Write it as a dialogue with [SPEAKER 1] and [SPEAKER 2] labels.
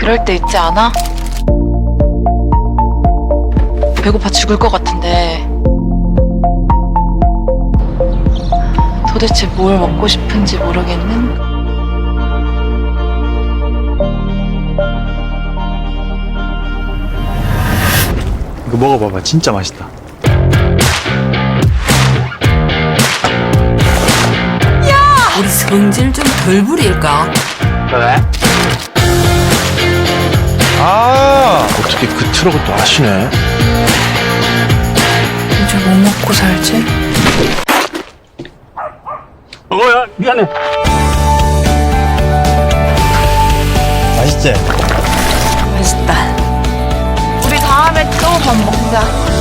[SPEAKER 1] 그럴 때 있지 않아? 배고파 죽을 것 같은데 도대체 뭘 먹고 싶은지 모르겠는?
[SPEAKER 2] 이거 먹어봐봐. 진짜 맛있다.
[SPEAKER 3] 우리 성질 좀 덜 부릴까?
[SPEAKER 2] 왜? 아, 어떻게 그 트럭을 또 아시네?
[SPEAKER 1] 이제 뭐 먹고 살지?
[SPEAKER 2] 야, 미안해. 맛있지?
[SPEAKER 1] 맛있다. 우리 다음에 또 밥 먹자.